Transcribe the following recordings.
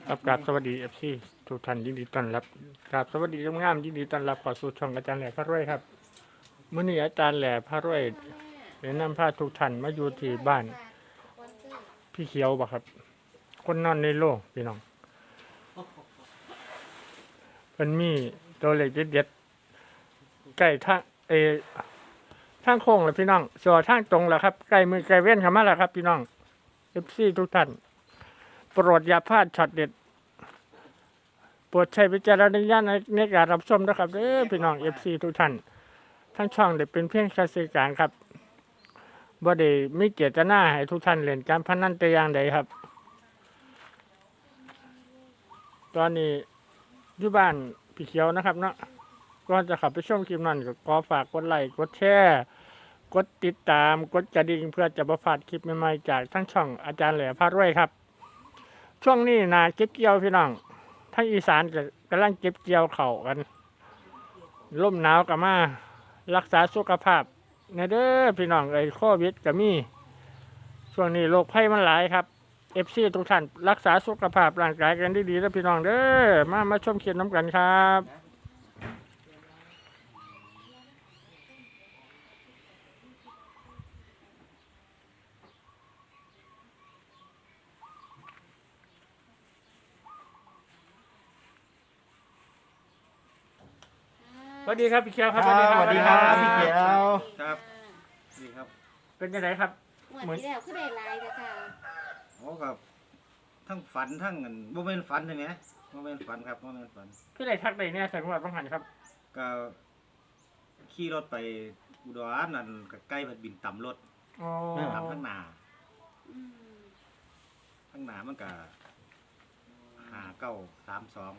ครับกราบสวัสดีFC ทุกท่านยินดีต้อนรับกราบสวัสดีงามๆยินดีต้อนรับเข้าสู่ช่องอาจารย์แหล่พระรวยครับมื้อนี้อาจารย์แหล่พระรวยได้นำพาทุกท่านมาอยู่ที่บ้านพี่เขียวบ่ครับคนนอนในโลกพี่น้องเพิ่นมีตัวเลขเด็ดๆใกล้ทางทางโค้งแล้วพี่น้องส่วนทางตรงแล้วครับใกล้มือใกล้เว้นเข้ามาแล้วครับพี่น้อง FC ทุกท่านโปรดอย่าพลาดช็อตเด็ดโปรดใช้วิจารณญาณในการรับชมนะครับพี่น้อง FC ทุกท่านทั้งช่องได้เป็นเพียงแค่สื่อกลางครับบ่ได้มีเจตนาให้ทุกท่านเล่นการพนันแต่อย่างใดครับตอนนี้อยู่บ้านพี่เขียวนะครับเนาะก่อนจะขับไปชมคลิปนั้นก็ขอฝากกดไลค์กดแชร์กดติดตามกดกระดิ่งเพื่อจะบ่พลาดคลิปใหม่ๆจากทั้งช่องอาจารย์แหล่พารวยครับช่วงนี้นาเก็บเกี่ยวพี่น้องทั้งอีสานก็กำลังเก็บเกี่ยวเข่าวกันลมหนาวก็มารักษาสุขภาพในเด้อพี่น้องโควิดก็มีช่วงนี้โรคภัยมันหลายครับFC ทุกท่านรักษาสุขภาพร่างกายกันดีๆแล้วพี่น้องเด้อมาชมคลิปน้ำกันครับสวัสดีครับพี่เขียวครับสวัสดีครับพี่เขียวครับดีครับเป็นยังไงครับเหมือนที่แล้วคือได้ลายแต่ค่ะโอ้กับทั้งฝันทั้งเงินโมเมนฝันใช่ไหมโมเมนฝันครับโมเมนฝันพี่ได้ทักได้เนี่ยแสดงว่าต้องหันครับก็ขี่รถไปอุดรนั่นก็ใกล้พัดบินต่ำรถอ๋อต่ำทั้งหนาอืมทั้งหนามันก็5932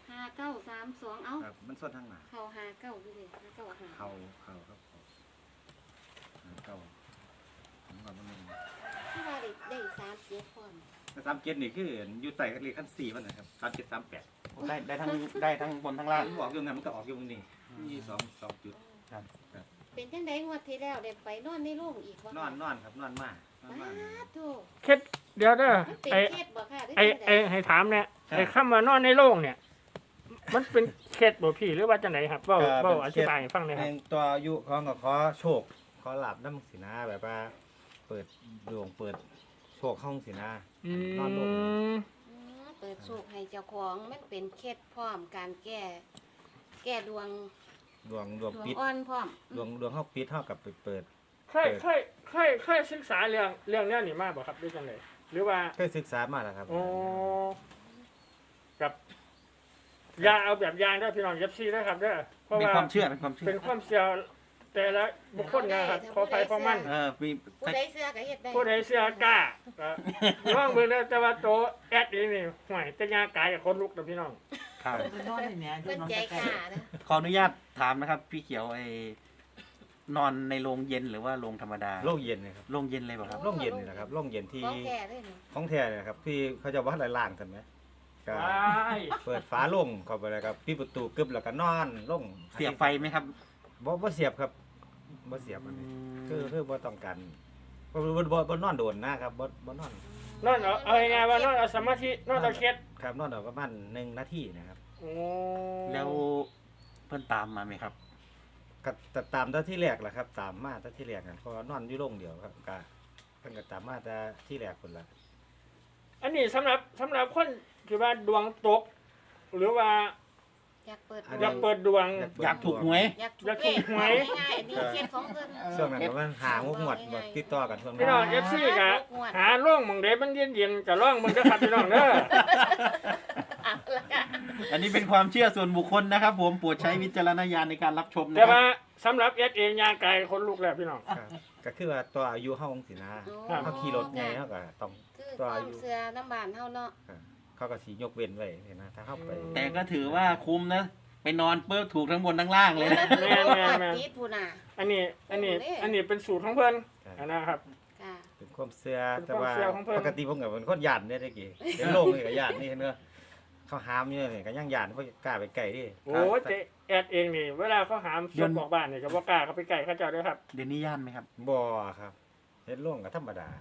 5932เอ้าครับมันส่วนทั้งหนาเขา59พี่เลย59หาเขาครับเขาผมก็มันที่ว่าได้37คน 37นี่คืออยู่ใต้เลขขั้น4มันนะครับ3738 ได้ทั้งบนทั้งล่างมันออกอยู่งั้นมันก็ออกอยู่ตรงนี้มีสองจุดเป็นจังได๋งวดที่แล้วได้ไปนอนในโรงอีกบ่นอนครับนอนมากนอนมากโธ่เคล็ดเดี๋ยวเด้อมันเป็นไอ้เคสบ่ค่ะหรือไอ้จังไอ้ได๋ให้ถามเนี่ยไอ้คำว่านอนในโรงเนี่ย มันเป็นเคล็ดบ่พี่หรือว่าจังไหนครับเว้าอธิบายให้ฟังหน่อยครับตัวอายุของก็ขอโชคขอหลับน้ำสีนาแบบว่าเปิดดวงเปิดโชคห้องสีนา นอนลงเปิดโชคให้เจ้าของมันเป็นเคสพร้อมการแก้ดวงดวงดวงปิดอ่อนพร้อมดวงห้องปิดเท่ากับไปเปิดเคยศึกษาเรื่องเนี้ยนี่มาบ่ครับด้วยจังไดหรือว่าเคยศึกษามาแล้วครับโอ้กับยาเอาแบบยางได้พี่น้องเย็บซีได้ครับเด้อเพราะเป็นว่าความเชื่อเป็นความเชื่อเป็นความเสี่ยงแต่ละบุคคลนะครับขอไปขอมันมีผู้ใดเสื้อก็เฮ็ดได้ผู้ใดเสื้อกล้าก็น้องเบิ่งแล้วแต่ว่าโตแอดนี่ห่วยแต่ยากายกับคนลุกนะพี่น้องครับเพิ่นใจกล้านะขออนุญาตถามนะครับ พี่เขียวนอนในโรงเย็นหรือว่าโรงธรรมดาโรคเย็นนะครับโรงเย็นเลยเปล่ะครับโรคเย็นนี่แหละครับโรคเย็นที่ของแท้เลยนี่ของแท้เนี่ยครับที่เขาจะวัดล่างๆกันไหมก็ว้ายเปิดฝาลงเข้าไปเลยครับปิดประตูกึบแล้วก็นอนลงเสียบไฟไหมครับบ่เสียบครับบ่เสียบอันนี้คือบ่ต้องการบ่นอนโดนนะครับบ่นอนนอนเอาไงว่านอนเอาสมาธินอนเอาเคล็ดครับนอนเอาประมาณ1 นาทีนะครับโอ้แล้วเพิ่นตามมาไหมครับก็ตามแต่ที่แรกแหละครับ ตามมาแต่ที่แรกกันเพราะว่านอนอยู่โรงเดียวครับก็เพิ่นก็ตามมาแต่ที่แรกพุ่นละอันนี้สำหรับคนที่ว่าดวงตก หรือว่าอยากเปิดอยากเปิดดวงอยากถูกหวยอยากอยากถูกหวยง่ายๆนี่เคสของเพิ่นช่วงนั้นประมาณ5 6งวดบ่ติดต่อกันช่วงพี่นั้น้องนเอฟซีกะหาร่องหมองเดมันเย็นๆกับร่องมันก็ขับพี่น้องเด้อเอาละค่ะอันนี้เป็นความเชื่อส่วนบุคคลนะครับ ผมโปรดใช้วิจารณญาณในการรับชมนะแต่ครัว่าบสำหรับเอสเองยางไกลคนลูกแล้วพี่น้องครับก็คือว่าตัวอายุเฮาจังซี่นะครัเฮาขี่รถใหญ่เฮาก็ต้องคือความเชื่อน้ำบานเฮาเนาะเขาก็สิยกเว้นไว้นะถ้าเฮาไปแต่ก็ถือว่าคุ้มนะ ไปนอนเปิ้ลถูกทั้งบนทั้งล่างเลยนะแม่ติดผู้น่ะอันนี้เป็นสูตรของเพิ่นนะครับค่ะเป็นความเชื่อเป็นแต่ความว่าเชื่อของเพิ่นปกติผมก็เป็นคนย่านเนี่ยตะกี้เป็นโรคนี่ก็ย่านนี่เห็นบ่เขาหามอยู่นี่ก็ยังย่านบ่กล้าไปใกล้ดิโอ้ยแต่แอดเองนี่เวลาเขาหามส่วนบอกบ้านนี่ก็บ่กล้าเขาไปไกลเขาเจ้าด้วยครับเดี๋ยวนี้ย่านไหมครับบ่ครับเห็นโรงก็ธรรมดาครับอ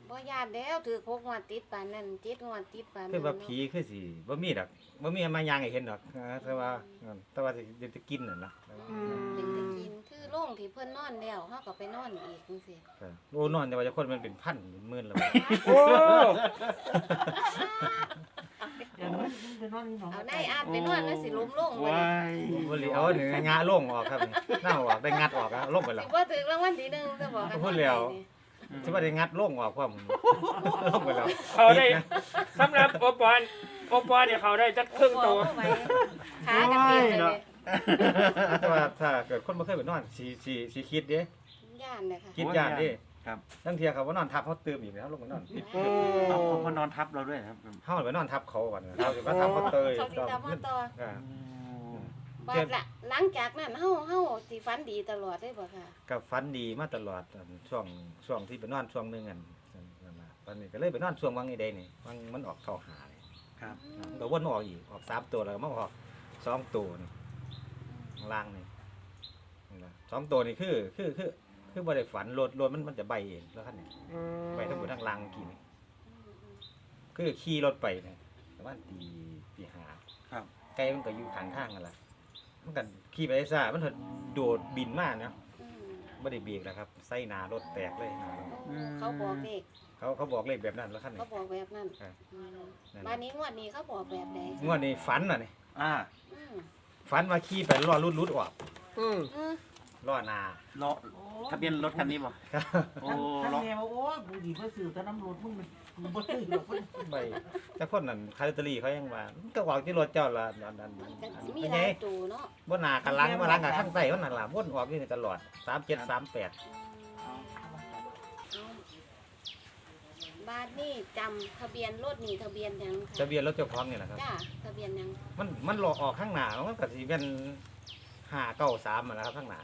บ่ญาติแล้วถือ6งวดติดปานนั้น7งวดติดปานนั้นคือว่าผีคือสิบ่มีดอกบ่มีมายางให้เห็นดอกแต่ว่าสิจะกินน่ะนะเป็นตะกินคือโรงที่เพิ่นนอนแล้วเฮาก็ไปนอนอีกจังซี่โอ้นอนแต่ว่าจะคนมันเป็นพันเป็นหมื่นแล้วโอ้เอาได้อาบไปนอนแล้วสิล้มลงบ่ว้านี่ยบ่เหลียวนี่งาลงออกครับนี่หน้าออกได้งัดออกอะลงไปแล้สิวบ่ถึงรางวัลที่1ซะบ่กันพูดแล้ว สิว่าได้งัดลงออกพร้อมลงไปแล้วเขาได้สำหรับโอปอเนี่ยเขาได้จักครึ่งตัวบ่ไหวขากันเป็นเลยแต่ว่าถ้าเกิดคนบ่เคยไปนอนสิคิดเด้ย่านเลยค่ะคิดย่านเด้ครับทั้งเที่ยเขาว่านอนทับเขาตื่มอีกแล้วลงไปนอนโอ้เอาเขามานอนทับเราด้วยนะครับเฮาไปนอนทับเขาก่อนเขาสิมาทับเขาเตยเขาสิตามมาต่ออ่าบาดละหลังจากนั้นเฮาสิฝันดีตลอดเลยบ่ค่ะก็ฝันดีมาตลอดช่วงที่ไปนอนช่วงหนึงอันนั่นน่ะตอนนี้ก็เลยไปนอนช่วงวังอีใดนี่วังมันออกเข้าหานี่ครับมันก็วนมาออกอีกออก3ตัวแล้วก็มาออก2ตัวนี่ข้างล่างนี่นะ2ตัวนี่คือบ่ได้ฝันรถมันจะใบเองแล้วคันนี้ใบทั้งหมดทั้งล่างเมื่อกี้นี่คือขี่รถไปนี่ประมาณตีห้าครับไกลมันก็อยู่ข้างทางกันล่ะมันก็ขี่ไปซ่ามันโดดบินมาเนาะอืมบ่ได้เบรกแล้วครับใส่หน้ารถแตกเลยหน้ารถเขาบอกเลขเขาบอกเลขแบบนั้นแล้วคันนี้เขาบอกแบบนั้นครับอืมนั่นบ้านนี้งวดนี้เขาบอกแบบใดงวดนี้ฝันน่ะนี่อ่าอืมฝันว่าขี่ไปล้อรุดออกอืมเออล้อหน้าล้อทะเบียนรถคันนี้บ่โอ้ท่านล้อแม่ว่าโอ้ยกูดีเพื่อสื่อแต่น้ำรถมึงมันบ่ซื้อหรอกมันไปแต่คนนั้นคาร์ลอตเตอรี่เขายังว่ามันก็ออกที่รถเจ้าละนั่นก็สิมีเป็นหไงลายตัวเนาะบ่หน้ากันหลังมาหลังกับข้างใต้มันนั่นล่ะวนออกอยู่นี่ตลอด3738 เอาบ้านนี่จำทะเบียนรถนี่ทะเบียนหยังค่ะทะเบียนรถเจ้าของนี่แหละครับจ้าทะเบียนหยังมันหลอกออกข้างหน้ามันก็สิเป็น593นั่นแหละครับข้างหน้า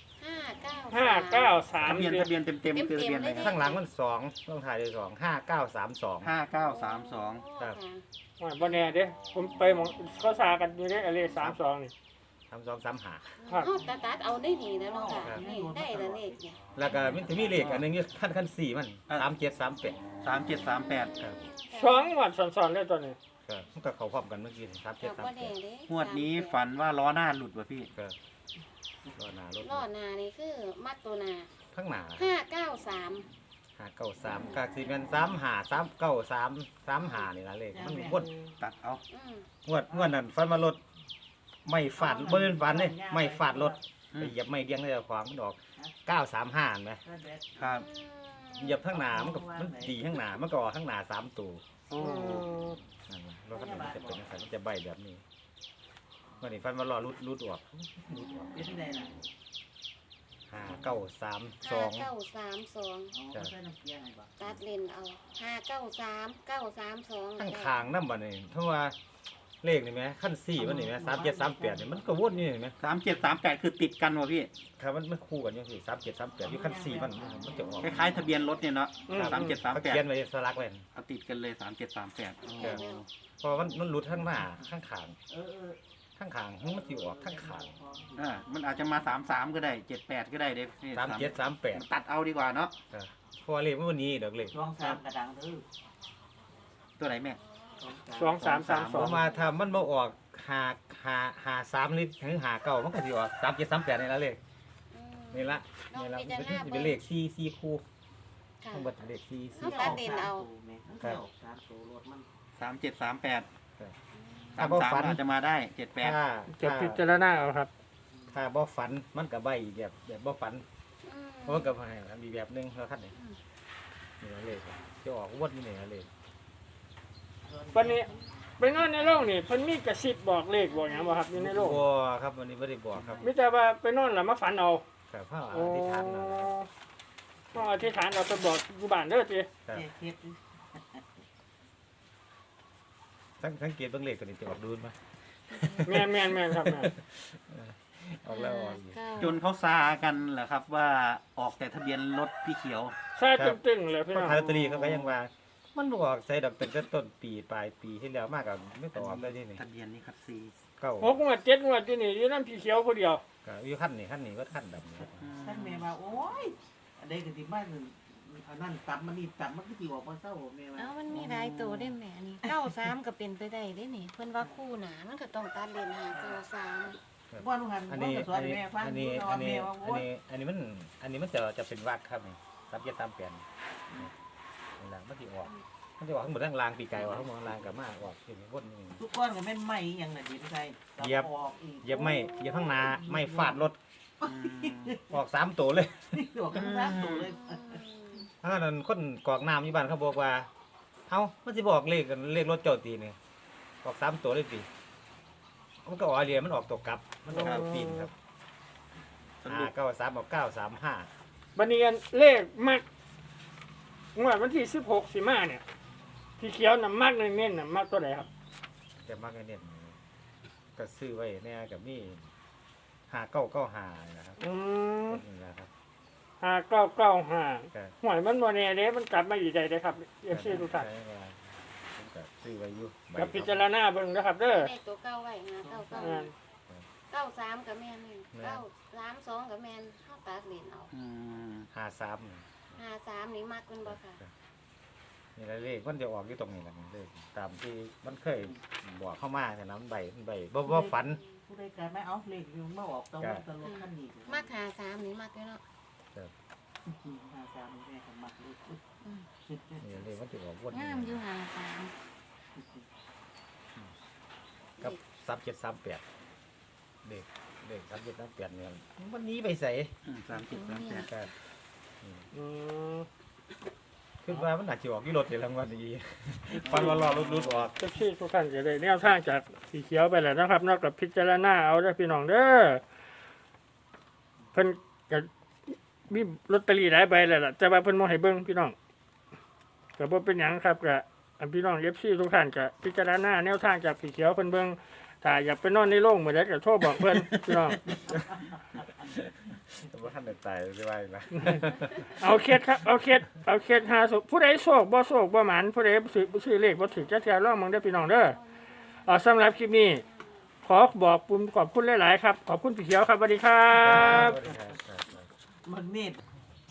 593 ทะเบียนเต็มคือทะเบียนอะไรคข้ารับงหลังมัน2ต้องถ่ายด้วย2 5932 5932 ครับว่าบ่แน่เด้ผมไปหมองเขาสากันอยู่เด้อเลข32นี่ 3235 ครับเอาตัดเอาได้ดีแล้วเนาะค่ะนี่ได้แล้วเลขเนี่ยแล้วก็มันจะมีเลขอันหนึงอยู่ขั้น4มัน3738 3738 ครับสองงวดซ้อนๆเลยตัวนี้ครับมันก็เข้าพร้อมกันเมื่อกี้เราก็แน่ 3738 เด้งวดนี้ฝันว่าล้อหน้าหลุดว่ะพี่ครับก็หน้ารถล้อหนานี่คือมัดตัวหนาข้างหน้า 593 593ก็สิเป็น353933นี่ล่ะเลขมันวนตัดเอาอืมงวดนั้นฟันมารถไม่ฟาดบ่เป็นฟันเด้ไม่ฟาดรถไปเหยียบไม่เดียงได้ขวางมันออก935เห็นไหมครับเหยียบข้างหน้ามันก็มันดีข้างหน้ามันก็ออกข้างหน้า3ตัวโอ้นั่นน่ะรถคันนี้มันจะเป็นจังซั่นมันจะใบแบบนี้วันนี้ฟันมารอรุดออกรุดออกเป็นไงล่ะ 5932 5932 เอาใส่น้ำเกลือให้บ่ตัดเลนเอา593 932 ข้างคางนำบัดนี้เพราะว่าเลขนี่แหมขั้น4มันนี่แหม3738นี่มันก็วนอยู่นี่แหม 3738คือติดกันว่ะพี่ครับมันคู่กันจังซี่3738อยู่ขั้น4มันจะออกคล้ายๆทะเบียนรถเนี่ยเนาะเขาเขียน 3738 ไว้สลักไว้เอาติดกันเลย3738 ครับ เพราะมันหลุดข้างหน้าข้างขางเออข้างขางมันสิออกข้างขางมันอาจจะมา33ก็ได้78ก็ได้เด้นี่ 3738 ตัดเอาดีกว่าเนาะครับเพราะว่าเลขมันบ่หนี้ดอกเลขช่วงสามกระดังเด้อตัวไหนแม่ 2332 ผมมาถ้ามันบ่ออก53ลิตรถึง59มันก็สิออก3738นี่ละเลขนี่ละนี่ละมันเป็นเลข4คู่ค่ะทั้งหมดเป็นเลข4 เอาตัดเลนเอาครับสามตัวรถมัน 3738 ถ้าบ่ฝัน 33อาจจะมาได้ถ้าจะพิจารณาเอาครับถ้าบ่ฝันมันก็ใบอีกแบบบ่ฝันอืมเพราะมันก็ให้มีแบบหนึงแล้วคันนี้นี่ละเลขจะออกวนนี่ละเลขวันนี้ไปนอนในโรงนี่เพิ่นมีกระซิบบอกเลขบอกหยังบ่ครับอยู่ในโรงบ่ครับวันนี้บ่ได้บอกครับมีแต่ว่าไปนอนแล้วมาฝันเอาครับพระอโอ้ธิษฐานเอาต้องอธิษฐานเราไปบอกอยู่บ้านเด้อติครับเฮ็ดสังเกตเบิ่งเลขตัวนี้จะออกดูนมาแม่นครับแม่นออกแล้วออกอีกจนเขาซากันเหรอครับว่าออกแต่ทะเบียนรถพี่เขียวใช่ตึงๆเลยพี่เพราะน้องคาร์ลอตเตอรี่เขาก็ยังว่า มันบ่ออกใส่ดอกตั้งแต่ต้นปีปลายปีที่แล้วมากก็ไม่ต่อออกได้ที่นี่ทะเบียนนี่ครับซีเก้า 6งวด7งวดอยู่นี่อยู่นำพี่เขียวผู้เดียวก็อยู่ขั้นนี้ก็ขั้นดำนี่ครับท่านแม่ว่าโอ้ยอันใดก็สิมาอันนั้นตับมันนี่ตับมันก็สิออกมาเศร้าแม่ว่าเอ้ามันมีหลายตัวได้แม่นี่93ก็เป็นไปได้เด้นี่เพิ่นว่าคู่หนามันก็ต้องตัดเลนหา93 ว่าลูกหันอันว่านี้ก็สอนให้แม่ฟังอันนี้สออันนนี้แม่ว่าโอ้ยอันนี้มันจะเป็นวักครับนี่รับเย็ดตามเปลี่ยนนี่แหละมันจะออกทั้งหมดทั้งรางปีกไก่ออกทั้งหมดทั้งรางกับมาออกที่วนนี่ทุกก้อนก็แม่นไหม้อยังน่ะดินใส่เหยียบออกอีกเหยียบข้างหน้าไม่ฟาดรถอืมออก3ตัวเลยออกกันซักตัวเลยถ้านั้นคนกรอกน้ำอยู่บ้านเขาบอกว่าเอ้ามันสิบอกเลขรถเจ้าตีนี่ออก3ตัวเลยตีมันก็ออกเรียนมันออกตัวกลับ มันออกตัวปีนครับสรุป 9 3ออก935 บันเนียนเลขมักงวดวันที่16สิมาเนี่ยพี่เขียวน่ะมักเน้นๆน่ะมักตัวไหนครับแต่มากเน้นก็ซื้อไว้เนี่ยกับนี่5995นะครับอืมนี่นะครับ 5995 ก็หวยมันบ่แน่เด้มันกลับมาอยู่ใดเด้ครับ FC ทุกท่านใช้ว่าผมก็ซื้อไว้อยู่ใบกับพิจารณาเบิ่งนะครับเด้อได้ตัวเก่าไว้หาเก่าอ่า 93ก็แม่นนี่932ก็แม่นเฮาตัดเลนเอาอืม 53 53นี่มักเพิ่นบ่ค่ะนี่แหละเลขมันจะออกอยู่ตรงนี้แหละเลขตามที่มันเคยบอกเข้ามาแต่น้ำใบบ่ฝันผู้ใดการไม่เอาเลขอยู่มาออกต้องตลกขั้นนี้มัก53นี่มักอยู่เนาะ 53แม่ก็มักเลยนี่เลขมันจะออกวนงามอยู่53 กับ3738เลข3738เนี่ยมันหนี้ไปใส่ 30 38 ก็อืมคิดว่ามันอาจจะออกที่รถในรางวัลนี้ฟันว่ารอรุดออกเจ้าที่ทุกท่านจะได้แนวทางจากสีเขียวไปแล้วนะครับ นอกจากพิจารณาเอาเด้อพี่น้องเด้อเพิ่นก็มีลอตเตอรี่หลายใบแล้วล่ะแต่ว่าเพิ่นบ่ให้เบิ่งพี่น้องก็บ่เป็นหยังครับก็อันพี่น้อง FC ทุกท่านก็พิจารณาแนวทางจากสีเขียวเพิ่นเบิ่งถ้าอยากไปนอนในโรงมื้อใดก็โทรบอกเพิ่นพี่น้องแต่ว่าท่านได้ตายได้ว่าอีกแล้วเอาเคสครับเอาเคสหาสุผู้ใดโชคบ่โชคบ่หมานผู้ใดซื้อเลขบ่ถือจักเทื่อลองมึงเด้อพี่น้องเด้อสำหรับคลิปนี้ขอบอกปุ่มขอบคุณหลายๆครับขอบคุณพี่เขียวครับสวัสดีครับมันเนต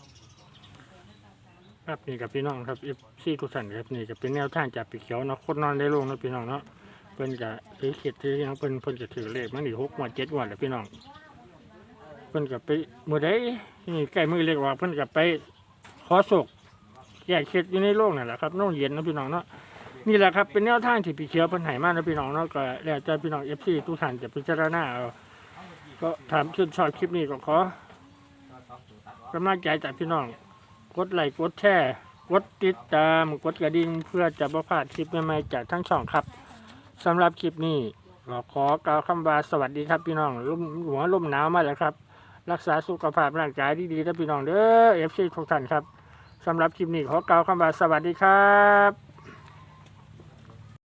ครับนี่กับพี่น้องครับซี่ทุกท่านครับนี่ก็เป็นแนวทางจากพี่เขียวเนาะคนนอนได้ลงเนาะพี่น้องเนาะเพิ่นก็ถือเข็ดถือหยังเพิ่นจะถือเลขมันนี่6งวด7งวดแล้วพี่น้องเพิ่นก็ไปมื้อใดนี่ใกล้มื้อเลขว่าเพิ่นก็ไปขอโชคแก้เคล็ดอยู่ในโลกนั่นแหละครับโรงเย็นเนาะพี่น้องเนาะนี่แหละครับเป็นแนวทางที่พี่เขียวเพิ่นให้มาเนาะพี่น้องเนาะก็แล้วแต่พี่น้อง FC ทุกท่านจะพิจารณาเอาก็ถามชื่นชอบคลิปนี้ก็ขอกำลังใจจากพี่น้องกดไลค์กดแชร์กดติดตามกดกระดิ่งเพื่อจะบ่พลาดคลิปใหม่ๆจากทั้งช่องครับสำหรับคลิปนี้ก็ขอกล่าวคำว่าสวัสดีครับพี่น้องหัวลมหนาวมาแล้วครับรักษาสุขภาพร่างกายดีๆนะพี่น้องเด้อ FC ทุกท่านครับสำหรับคลิปนี้ขอกล่าวคำว่าสวัสดีครับ